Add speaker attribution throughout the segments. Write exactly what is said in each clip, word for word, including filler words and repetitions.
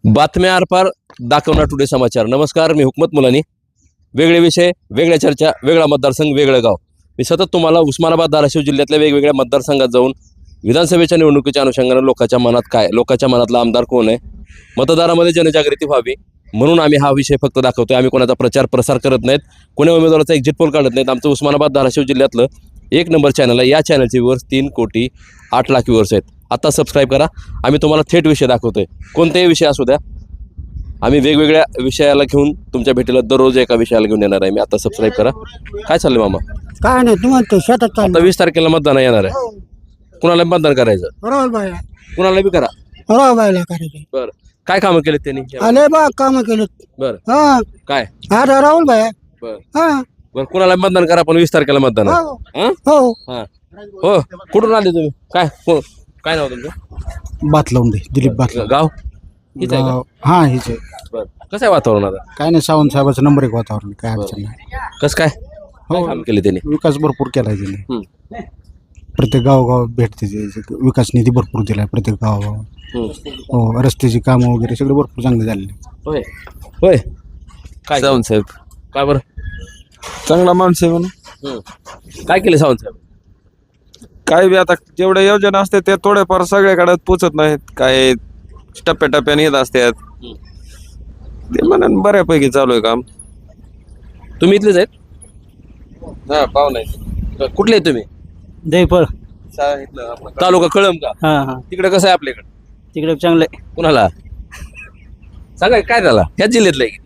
Speaker 1: बातम्या आरपार दाखवणार टुडे समाचार. नमस्कार, मी हुकमत मुलानी. वेगळे विषय, वेगळ्या चर्चा, वेगळा मतदारसंघ, वेगळं गाव. मी सतत तुम्हाला उस्मानाबाद धाराशिव जिल्ह्यातल्या वेगवेगळ्या मतदारसंघात जाऊन विधानसभेच्या निवडणुकीच्या अनुषंगाने लोकांच्या मनात काय, लोकांच्या मनातला आमदार कोण आहे, मतदारामध्ये जनजागृती व्हावी म्हणून आम्ही हा विषय फक्त दाखवतोय. आम्ही कोणाचा प्रचार प्रसार करत नाहीत, कोणी उमेदवाराचा एक्झिट पोल काढत नाहीत. आमचं उस्मानाबाद धाराशिव जिल्ह्यातलं एक नंबर चॅनल आहे. या चॅनलचे व्ह्यूअर्स तीन कोटी आठ लाख व्ह्यूअर्स आहेत. आता सबस्क्राईब करा. आम्ही तुम्हाला थेट विषय दाखवतोय, कोणतेही विषय असू द्या. आम्ही वेगवेगळ्या विषयाला घेऊन तुमच्या भेटीला दररोज एका विषयाला घेऊन येणार आहे. मी आता सबस्क्राईब करा. काय चाललंय मामा?
Speaker 2: काय नाही, तू म्हणतो शेतात
Speaker 1: आता
Speaker 2: चाललं.
Speaker 1: वीस तारखेला मतदान येणार आहे. कुणाला मतदान करायचं?
Speaker 2: राहुल बायला
Speaker 1: कुणाला बी करा.
Speaker 2: राहुल बायला करायचं.
Speaker 1: बरं, काय कामं केलेत त्यांनी?
Speaker 2: आले बा काम केलं.
Speaker 1: बरं,
Speaker 2: हा
Speaker 1: काय?
Speaker 2: हा राहुल बाय.
Speaker 1: बरं
Speaker 2: हा
Speaker 1: बरं, कुणाला मतदान करा, पण वीस तारखेला मतदान आहे.
Speaker 2: हो
Speaker 1: हं?
Speaker 2: हो.
Speaker 1: हा हो. कुठून आले तुम्ही? काय को- काय नाव तुमचं?
Speaker 2: बातलवंडे, दिलीप बातलवंडे.
Speaker 1: गाव इथं आहे का?
Speaker 2: हा हेच आहे.
Speaker 1: बरं, कसं आहे वातावरण आता?
Speaker 2: काय नाही, सावंत साहेबाचं नंबर एक वातावरण, काय अडचण नाही.
Speaker 1: कसं काय? काय काम केले त्यांनी?
Speaker 2: विकास भरपूर केलाय त्यांनी.
Speaker 1: हं.
Speaker 2: प्रत्येक गावोगाव भेटते ते. विकास निधी भरपूर दिलाय प्रत्येक गावागाव.
Speaker 1: हं.
Speaker 2: हो, रस्त्याची कामं वगैरे सगळे भरपूर चांगले झालेले.
Speaker 1: होय होय. काय
Speaker 3: सावंत साहेब
Speaker 1: काय बरं?
Speaker 3: चांगला माणूस आहे म्हणून.
Speaker 1: हं. काय केले सावंत साहेब?
Speaker 3: काय बी आता जेवढ्या योजना असतात त्या थोड्याफार सगळ्याकडे पोचत नाहीत. काय टप्प्याटप्प्याने येत असतात.
Speaker 1: हं.
Speaker 3: ते म्हणून बऱ्यापैकी चालू आहे काम.
Speaker 1: तुम्ही इथलेच आहेत?
Speaker 3: हा, पाव नाही
Speaker 1: कुठले आहेत तुम्ही?
Speaker 2: जयफळ.
Speaker 1: तालुका कळम का?
Speaker 2: हा हा,
Speaker 1: तिकडे कसं आहे आपल्याकडे?
Speaker 2: तिकडे चांगले.
Speaker 1: कुणाला सांगा, काय झाला? ह्याच जिल्ह्यातलं आहे किती?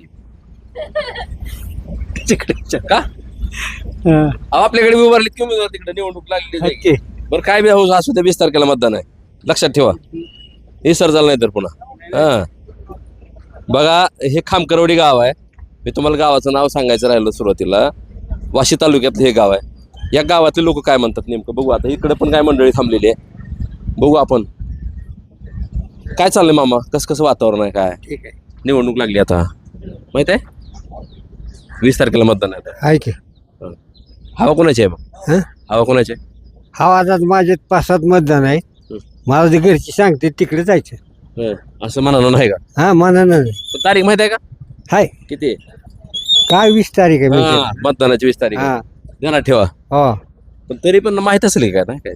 Speaker 2: तिकडे
Speaker 1: का अहो, आपल्याकडे उभारलीत की उमेदवार तिकडे निवडणूक लागली आहे की. बरं, काय बी हो, असू द्या, वीस तारखेला मतदान आहे. लक्षात ठेवा, हे सर झालं नाही तर पुन्हा. हा बघा, हे खामकरवडी गाव आहे. मी तुम्हाला गावाचं नाव सांगायचं राहिलं सुरुवातीला. वाशी तालुक्यातलं हे गाव आहे. या गावातले लोक काय म्हणतात नेमकं बघू. आता इकडे पण काय मंडळी थांबलेली आहे, बघू आपण. काय चाललंय मामा? कसं कसं वातावरण आहे? काय
Speaker 2: ठीक आहे.
Speaker 1: निवडणूक लागली आता, माहित आहे? वीस तारखेला मतदान आहे आता.
Speaker 2: आहे की.
Speaker 1: हवा कोणाची आहे मग?
Speaker 2: हं?
Speaker 1: हवा कोणाची आहे?
Speaker 2: हा, आता माझे पाच सात मतदान आहे.
Speaker 1: हं.
Speaker 2: मला जे घरची सांगते तिकडे जायचं.
Speaker 1: हं. असं म्हणालं नाही का?
Speaker 2: हा, म्हणा ना.
Speaker 1: पण तारीख माहित आहे का?
Speaker 2: हाय,
Speaker 1: किती आहे?
Speaker 2: काय वीस तारीख आहे म्हणजे.
Speaker 1: हा, मतदानाची वीस तारीख आहे.
Speaker 2: हा
Speaker 1: ध्यानात ठेवा.
Speaker 2: हो.
Speaker 1: पण तरी पण माहित असेल काय नाही काय?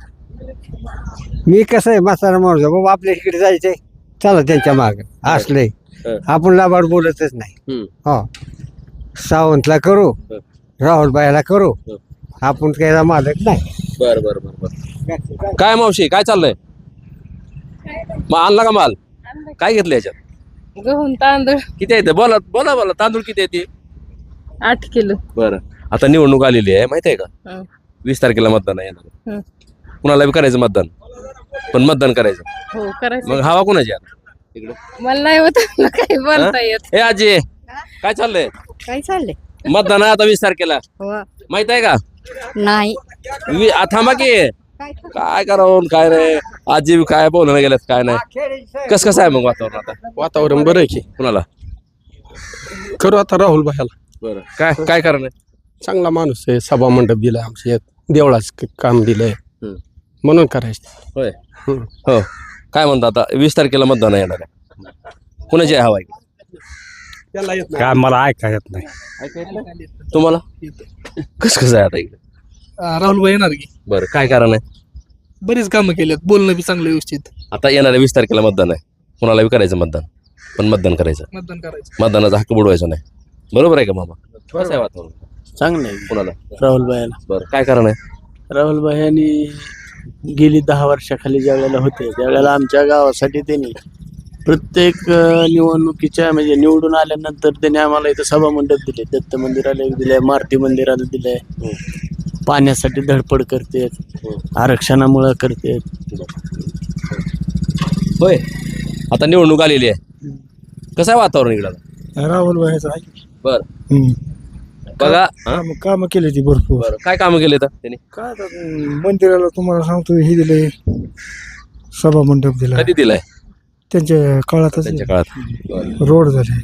Speaker 2: मी कसं आहे, म्हातारा माणूस आहे. बाबा आपल्या इकडे जायचंय, चला त्यांच्या माग असलंय.
Speaker 1: हं.
Speaker 2: आपण लाभाड बोलतच नाही.
Speaker 1: हं.
Speaker 2: हो, सावंतला करू,
Speaker 1: हं.
Speaker 2: राहुल बायला करू,
Speaker 1: हं.
Speaker 2: आपण काय मालक नाही.
Speaker 1: बर बर बर बर. काय मावशी, काय चाललंय? मग आणला का माल? काय घेतलं याच्यात?
Speaker 4: गहून तांदूळ
Speaker 1: किती आहे ते? बोला बोला बोला. तांदूळ किती आहे ते?
Speaker 4: आठ किलो.
Speaker 1: बरं, आता निवडणूक आलेली आहे, माहिती आहे का?
Speaker 4: हं.
Speaker 1: वीस तारखेला मतदान आहे येणार.
Speaker 4: हं.
Speaker 1: कुणाला बी करायचं मतदान, पण मतदान करायचं.
Speaker 4: हो करायचं.
Speaker 1: मग हवा कोणाची आहे इकडे?
Speaker 4: मला नाही होत ना काही बोलता येत.
Speaker 1: हे आजी, काय चाललंय?
Speaker 4: काय चाललंय?
Speaker 1: मतदान आहे आता वीस तारखेला,
Speaker 4: हो
Speaker 1: माहित आहे का?
Speaker 4: नाही.
Speaker 1: वी- आ, थांबा की. काय करावं काय रे आजी, काय बोलणं गेल्यात काय नाही. कस कसं आहे मग वातावरण आता?
Speaker 3: वातावरण बरं आहे की.
Speaker 1: कुणाला
Speaker 3: करू आता राहुल भाईला.
Speaker 1: बरं, काय काय कारण आहे?
Speaker 3: चांगला माणूस आहे. सभा मंडप दिलाय आमच्या यात, देवळाच काम दिलंय
Speaker 1: हं.
Speaker 3: म्हणून करायचं.
Speaker 1: होय.
Speaker 3: हं.
Speaker 1: हो, काय म्हणता आता वीस तारखेला मतदान येणार आहे. कुणाची आहे हवा आहे?
Speaker 2: काय मला ऐका येत नाही.
Speaker 1: तुम्हाला कस कसं आहे आता इकडे?
Speaker 5: राहुल भाई येणार की.
Speaker 1: बरं, काय कारण आहे?
Speaker 5: बरीच कामं केलेत, बोलणं बी चांगलं व्यवस्थित.
Speaker 1: आता येणाऱ्या वीस तारखेला मतदान आहे. कुणाला बी करायचं मतदान, पण मतदान करायचं.
Speaker 5: मतदान करायचं.
Speaker 1: मतदानाचा हक्क बुडवायचा नाही. बरोबर आहे का मामा? कसं आहे वातावरण?
Speaker 6: चांगलं आहे
Speaker 1: कुणाला?
Speaker 6: राहुल भाईला.
Speaker 1: बरं, काय कारण आहे?
Speaker 6: राहुल भाई यांनी गेली दहा वर्षाखाली ज्या वेळेला होते त्यावेळेला आमच्या गावासाठी त्यांनी प्रत्येक अं, निवडणुकीच्या म्हणजे निवडून आल्यानंतर त्यांनी आम्हाला इथं सभा मंडप दिले, दत्त मंदिराला दिले, मारुती मंदिराला दिले, पाण्यासाठी धडपड करतेत, आरक्षणामुळं करतेत.
Speaker 1: होय, आता निवडणूक आलेली आहे. कसं आहे वातावरण इकडं?
Speaker 2: राहुल बायचं आहे.
Speaker 1: बरं, बघा. हा?
Speaker 2: काम केली ती भरपूर.
Speaker 1: बरं, काय कामं केले तर त्यांनी?
Speaker 2: काय आता, मंदिराला तुम्हाला सांगतो हे दिले, सभा मंडप दिला
Speaker 1: कधी दिलाय?
Speaker 2: त्यांच्या काळातच.
Speaker 1: त्यांच्या काळात.
Speaker 2: रोड झाले.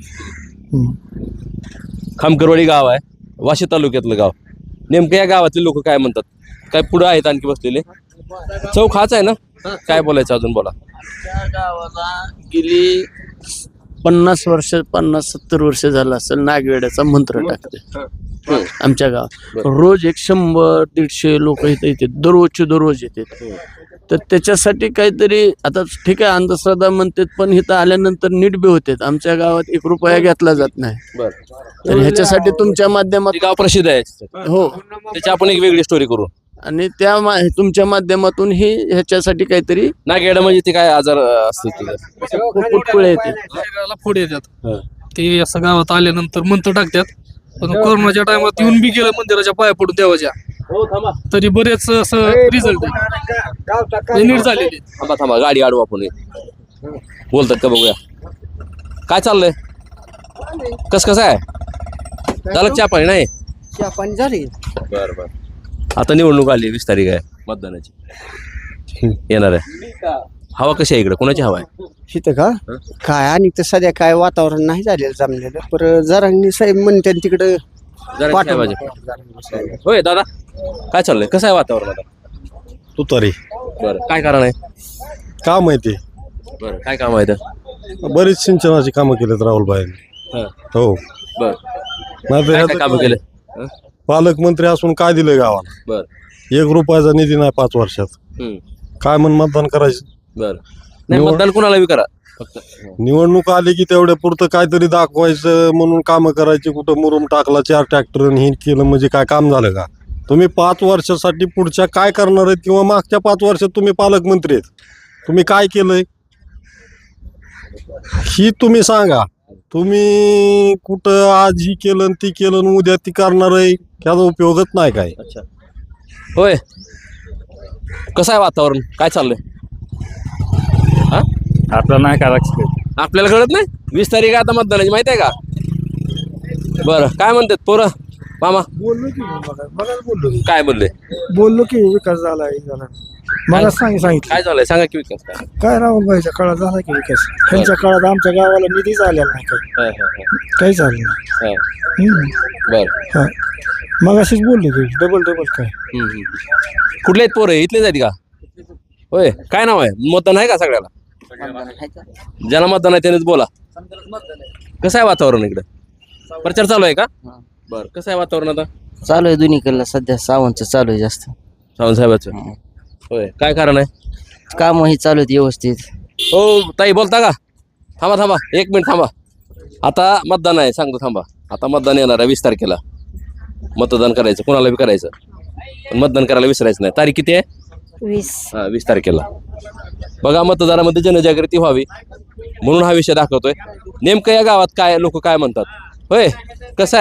Speaker 1: खामकरवाडी गाव आहे, वाशी तालुक्यातलं गाव. नेमकं या गावातले लोक काय म्हणतात? काय पुढे आहेत आणखी बसलेले? चौक हाच आहे ना? काय बोलायचं अजून, बोला.
Speaker 6: त्या गावाला गेली पन्नास वर्ष पन्नास सत्तर वर्ष झालं असेल नागवेड्याचा मंत्र टाकते आमच्या गावात. रोज एक शंभर दीडशे लोक इथे येतात, दररोजचे दररोज येतात. तर त्याच्यासाठी काहीतरी आता ठीक आहे अंधश्रद्धा म्हणतात, पण इथं आल्यानंतर नीट बी होते. आमच्या गावात एक रुपया घेतला जात नाही. तर ह्याच्यासाठी तुमच्या माध्यमात
Speaker 1: गाव प्रसिद्ध आहे
Speaker 6: हो
Speaker 1: त्याची आपण एक वेगळी स्टोरी करू.
Speaker 6: आणि त्या मा- तुमच्या माध्यमातून ही ह्याच्यासाठी काहीतरी
Speaker 1: नागेड म्हणजे ते काय आजार असते
Speaker 6: पुटकुळे येते.
Speaker 5: शरीराला फोड येतात ते असं गावात आल्यानंतर मंत्र टाकतात. पण कोरोनाच्या टायमात येऊन बी गेलं मंदिराच्या पाया पडून देवाच्या, तरी बरेच असं रिझल्ट नीट झालेले.
Speaker 1: थांबा थांबा गाडी आडू आपण बोलतात का बघूया काय चाललंय कस कसं आहे झालं चहा पाणी नाही
Speaker 7: पण झाली.
Speaker 1: बर बर आता निवडणूक आली वीस तारीख आहे मतदानाची येणार आहे. हवा कशी आहे इकडे कोणाची हवा आहे
Speaker 7: इथं का काय आणि तर सध्या काय वातावरण नाही झालेलं जमलेलं, पर जरांनी साहेब म्हणते तिकडं
Speaker 1: जरा
Speaker 7: पाठवा.
Speaker 1: साहेबाचे. होय दादा काय चाललंय कसं आहे वातावरण आता
Speaker 8: तुतारी
Speaker 1: बरं काय कारण आहे
Speaker 8: का माहिती
Speaker 1: बरं काय काम आहे तर
Speaker 8: बरीच सिंचनाची कामं केलेत राहुलबाईंनी.
Speaker 1: हं.
Speaker 8: हो
Speaker 1: बरं
Speaker 8: नाही
Speaker 1: काय काय कामं केलं हं?
Speaker 8: पालकमंत्री असून काय दिलंय गावाला?
Speaker 1: बरं
Speaker 8: एक रुपयाचा निधी नाही पाच वर्षात.
Speaker 1: हं.
Speaker 8: काय म्हणून मतदान करायचं?
Speaker 1: बरं नाही
Speaker 8: निवड-
Speaker 1: मतदान कोणाला बी करा फक्त
Speaker 8: निवडणूक आली की तेवढ्या पुरतं काहीतरी दाखवायचं म्हणून कामं करायची. कुठं मुरुम टाकला चार ट्रॅक्टर हे केलं म्हणजे काय काम झालं का? तुम्ही पाच वर्षासाठी पुढच्या काय करणार आहेत किंवा मागच्या पाच वर्षात तुम्ही पालकमंत्री आहेत, तुम्ही काय केलंय ही तुम्ही सांगा. तुम्ही कुठं आज ही केलं आणि ती केलं आणि उद्या ती करणार आहे त्याचा उपयोगच नाही काय.
Speaker 1: अच्छा होय कसं आहे वातावरण काय चाललंय हा
Speaker 9: आपल्याला नाही का लक्षात
Speaker 1: आपल्याला कळत नाही वीस तारीख आहे आता मतदानाची माहिती आहे का बरं काय म्हणतात पोरं मामा
Speaker 2: बोललो की मला मला बोललो की
Speaker 1: काय बोलले
Speaker 2: बोललो की विकास झाला हे झाला मला सांग सांगितलं
Speaker 1: काय झालंय सांगा की विकास काय
Speaker 2: काय राहुलबाईच्या काळात झाला की विकास. त्यांच्या काळात आमच्या गावाला निधीच आलेला नाही काही
Speaker 1: हा, हा, हा.
Speaker 2: काहीच आलं नाही.
Speaker 1: हा.
Speaker 2: हम्म.
Speaker 1: बरं
Speaker 2: हा. मग अशीच बोलली की डबल डबल काय
Speaker 1: हम्म, हम्म. कुठले आहेत पोरं इथलेच आहेत का होय काय नाव आहे मतदान आहे का सगळ्याला ज्याला मतदान आहे त्यानेच बोला कसं आहे वातावरण इकडं प्रचार चालू आहे का बरं कसं आहे वातावरण आता
Speaker 7: चालू आहे दोन्हीकडला सध्या सावंतचं चालू आहे जास्त.
Speaker 1: सावंत साहेबाचं होय काय कारण आहे
Speaker 7: काम ही चालू आहेत व्यवस्थित.
Speaker 1: हो ताई बोलता का थांबा थांबा एक मिनिट थांबा आता मतदान आहे सांगतो थांबा आता मतदान येणार आहे वीस तारखेला मतदान करायचं कोणाला बी करायचं पण मतदान करायला विसरायचं नाही तारीख किती आहे
Speaker 4: वीस
Speaker 1: हा वीस तारखेला बघा मतदारामध्ये जनजागृती व्हावी म्हणून हा विषय दाखवतोय नेमकं या गावात काय लोक काय म्हणतात होय कसं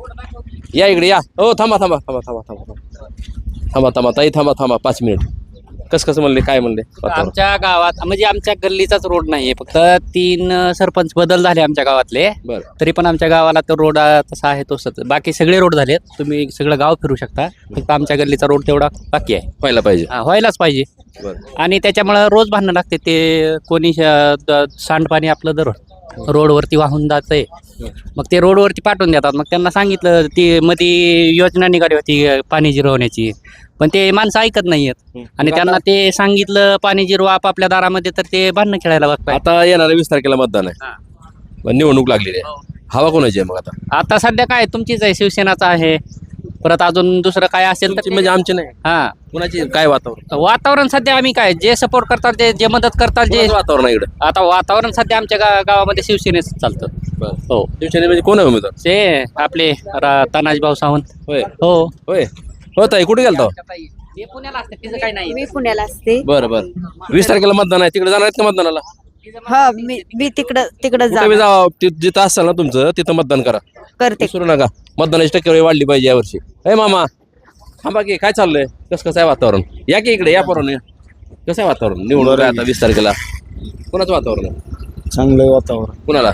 Speaker 1: आहे या इकडे या हो थांबा थांबा थांबा थांबा थांबा थांबा थांबा थांबा ताई थांबा थांबा पाच मिनिट कसं कसं म्हणले काय म्हणले वातावरण?
Speaker 10: आमच्या गावात म्हणजे आमच्या गल्लीचाच रोड नाहीये फक्त तीन अ, सरपंच बदल झाले आमच्या गावातले
Speaker 1: बरं
Speaker 10: तरी पण आमच्या गावाला तो रोड अ, तसा आहे तसंच बाकी सगळे रोड झालेत तुम्ही सगळं गाव फिरू शकता फक्त आमच्या गल्लीचा रोड तेवढा बाकी आहे
Speaker 1: व्हायला पाहिजे
Speaker 10: हा, व्हायलाच पाहिजे
Speaker 1: बरं
Speaker 10: आणि त्याच्यामुळं रोज भांडणं लागते ते कोणी अ, द- सांडपाणी आपलं दर रोडवरती वाहून जातंय मग ते रोडवरती पाठवून देतात मग त्यांना सांगितलं ती मध्ये योजना निघाली होती अ, पाणी जिरवण्याची पण ते माणसं ऐकत नाहीयेत आणि त्यांना ते सांगितलं पाणी जिरवा आपापल्या दारामध्ये तर ते भांडणं खेळायला बघताय.
Speaker 1: आता येणाऱ्या वीस तारखेला मतदान आहे पण निवडणूक लागलेली आहे हवा कोणाची आहे मग आता
Speaker 10: आता सध्या काय तुमचीच आहे शिवसेनाचा आहे परत अजून दुसरं काय असेल तर
Speaker 1: तुमची म्हणजे आमची नाही
Speaker 10: हा
Speaker 1: कोणाची काय वातावरण
Speaker 10: वातावरण सध्या आम्ही काय जे सपोर्ट करतात जे जे मदत करतात जे
Speaker 1: कोणाचं वातावरण आहे इकडं
Speaker 10: आता वातावरण सध्या आमच्या गा- गावामध्ये शिवसेनेच चालतं.
Speaker 1: बरं
Speaker 10: हो
Speaker 1: शिवसेनेमध्ये कोण आहे उमेदवार
Speaker 10: ते आपले रा- तानाजी भाऊ सावंत
Speaker 1: होय
Speaker 10: हो
Speaker 1: होय हो ताई कुठे गेलता
Speaker 10: ते पुण्याला असते तिचं काही नाही
Speaker 4: मी पुण्याला असते
Speaker 1: बरं बरं वीस तारखेला मतदान आहे तिकडे जाणार आहेत का मतदानाला
Speaker 4: हा मी मी तिकडं तिकडं
Speaker 1: कुठे बी
Speaker 4: जा
Speaker 1: जावा ति- जिथं असाल ना तुमचं तिथं मतदान करा
Speaker 4: करते
Speaker 1: विसरू नका मतदानाची टक्केवारी वाढली पाहिजे यावर्षी हे मामा थांबा की काय चाललंय कसं कसं आहे वातावरण या की इकडे या परवाने कसं आहे वातावरण निवडणूक आहे आता वीस तारखेला कोणाचं वातावरण आहे
Speaker 6: चांगलं वातावरण.
Speaker 1: कुणाला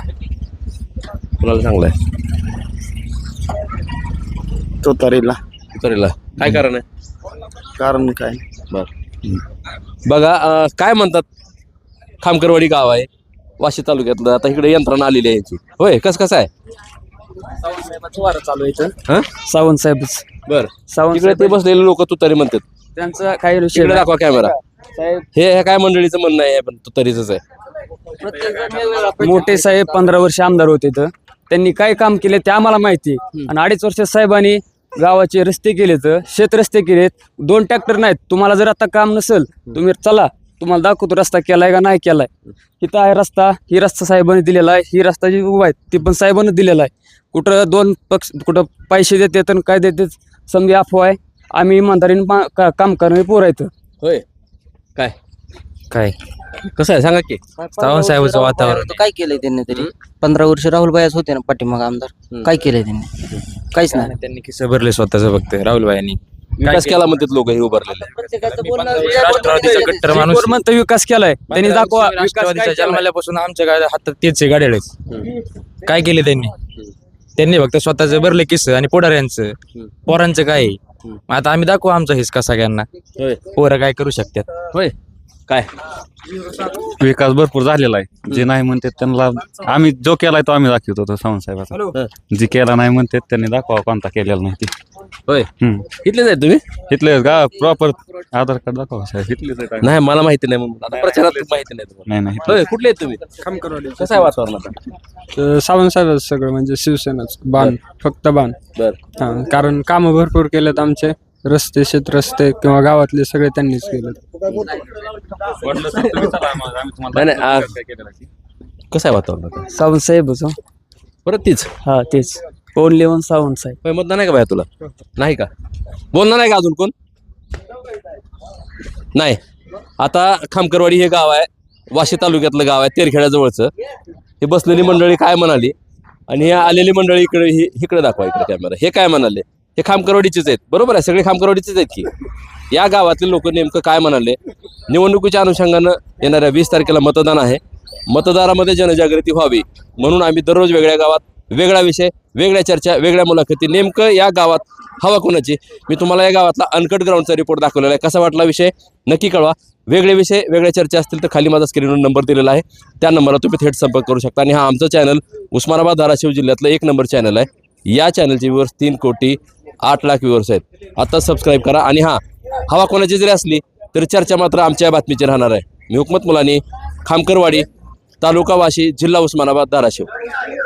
Speaker 1: कुणाला चांगलं आहे
Speaker 6: तुतारीला
Speaker 1: तरीला काय कारण आहे
Speaker 6: कारण काय
Speaker 1: बर बघा अं, काय म्हणतात खामकरवाडी गाव आहे वाशी तालुक्यातलं आता इकडे यंत्रणा आलेली आहे यांची होय कसं कसं आहे
Speaker 7: चालू आहे
Speaker 1: हा
Speaker 7: सावंत साहेब
Speaker 1: बर
Speaker 7: सावंत
Speaker 1: तिकडे ते बसलेले लोक तुतारी म्हणतात
Speaker 7: त्यांचं काही
Speaker 1: तिकडे दाखवा कॅमेरा हे हे काय मंडळीचं म्हणणं आहे पण तुतारीच आहे
Speaker 11: मोठे साहेब पंधरा वर्ष आमदार होते तर त्यांनी काय काम केले ते आम्हाला माहिती आहे. आणि अडीच वर्ष साहेबांनी गावाचे रस्ते केलेत, शेत रस्ते केलेत. दोन ट्रॅक्टर नाहीत. तुम्हाला जर आता काम नसेल तुम्ही चला, तुम्हाला दाखवतो रस्ता केलाय का नाही केलाय. इथं आहे रस्ता, ही रस्ता साहेबांनी दिलेला आहे, ही रस्ता जी उभा आहे ती पण साहेबांनी दिलेला आहे. कुठं दोन पक्ष कुठं पैसे देतात आणि काय देतात समजा अफवा आहे. आम्ही इमानदारीने पा- का- काम करणारे पोरं आहेत.
Speaker 1: होय काय
Speaker 10: काय
Speaker 1: कसं आहे सांगा की
Speaker 10: सावंत साहेबांचं वातावरण
Speaker 12: काय केलंय त्यांनी तरी पंधरा वर्ष राहुल बायाच होते ना पाठीमाग आमदार. काय केलंय त्यांनी? काहीच नाही.
Speaker 10: त्यांनी किस्से भरले स्वतःच फक्त राहुल यांनी.
Speaker 1: विकास केला म्हणतात लोक हे उभारलेले.
Speaker 10: राष्ट्रवादीचा कट्टर माणूस
Speaker 11: कोण म्हणतं विकास केलाय त्यांनी दाखवा. विकास काय
Speaker 10: राष्ट्रवादीच्या
Speaker 11: केलाय?
Speaker 10: जन्मल्यापासून आमच्या काय हातात तेच गाड्या काय केले त्यांनी त्यांनी फक्त स्वतःच भरले किस्से आणि पुढाऱ्यांचं पोरांचं काय आहे? मग आता आम्ही दाखवू आमचा हिसका सगळ्यांना.
Speaker 1: होय
Speaker 10: पोरं काय करू शकतात.
Speaker 1: होय काय
Speaker 9: विकास भरपूर झालेला आहे. जे नाही म्हणतात त्यांना आम्ही जो केलाय तो आम्ही दाखवतो तो सावंत साहेबाचा. जे केला नाही म्हणतात त्यांनी दाखवा कोणता केलेला नाही ते.
Speaker 1: होय
Speaker 9: हम्म.
Speaker 1: इथलेच आहेत तुम्ही?
Speaker 9: इथले का प्रॉपर आधार कार्ड दाखवा साहेब. इथलेच आहे.
Speaker 1: नाही मला माहिती नाही म्हणून आता प्रचारात माहिती नाही तुम्हाला.
Speaker 9: नाही नाही
Speaker 1: होय कुठले आहेत तुम्ही? कसं आहे वातावरण आता?
Speaker 11: सावंत साहेब सगळं म्हणजे शिवसेनाच बाण, फक्त बाण.
Speaker 1: बर
Speaker 11: हा, कारण कामं भरपूर केलेत आमचे. रस्ते शेत रस्ते किंवा गावातले सगळे त्यांनीच केलेत.
Speaker 1: नाही नाही आ- कसं आहे वातावरण आता?
Speaker 11: सावंत साहेबच.
Speaker 1: परत तीच
Speaker 11: हा तेच ओनली वन सावंत साहेब.
Speaker 1: होय मतदान आहे का बाया तुला? नाही का? बोलणार नाही का अजून कोण? नाही. आता खामकरवाडी हे गाव आहे, वाशी तालुक्यातलं गाव आहे, तेरखेड्याजवळचं. हे बसलेली मंडळी काय म्हणाली आणि हे आलेली मंडळी इकडे ही इकडे दाखवा, इकडे कॅमेरा. हे काय म्हणाले? हे खामकरवाडीचेच आहेत, बरोबर आहे, सगळे खामकरवाडीचेच आहेत की. या गावातले लोक नेमकं काय म्हणाले? निवडणुकीच्या अनुषंगानं येणाऱ्या वीस तारखेला मतदान आहे. मतदारामध्ये जनजागृती व्हावी म्हणून आम्ही दररोज वेगळ्या गावात वेगळा विषय, वेगळ्या चर्चा, वेगळ्या मुलाखती. नेमकं या गावात हवा कोणाची? मी तुम्हाला या गावातला अनकट ग्राउंडचा रिपोर्ट दाखवलेला आहे. कसा वाटला विषय नक्की कळवा. वेगळे विषय, वेगळ्या चर्चा असतील तर खाली माझा स्क्रीनवर नंबर दिलेला आहे, त्या नंबरला तुम्ही थेट संपर्क करू शकता. आणि हा आमचं चॅनल उस्मानाबाद धाराशिव जिल्ह्यातलं एक नंबर चॅनल आहे. या चॅनलचे व्ह्यूअर्स तीन कोटी आठ लाख व्ह्यूअर्स आहेत. आता सबस्क्राईब करा. आणि हां, हवा कोणाची जरी असली तरी चर्चा मात्र आमच्या बातमीची राहणार आहे. मी हुकमत मुलानी, खामकरवाडी, तालुका वाशी, जिल्हा उस्मानाबाद, धाराशिव.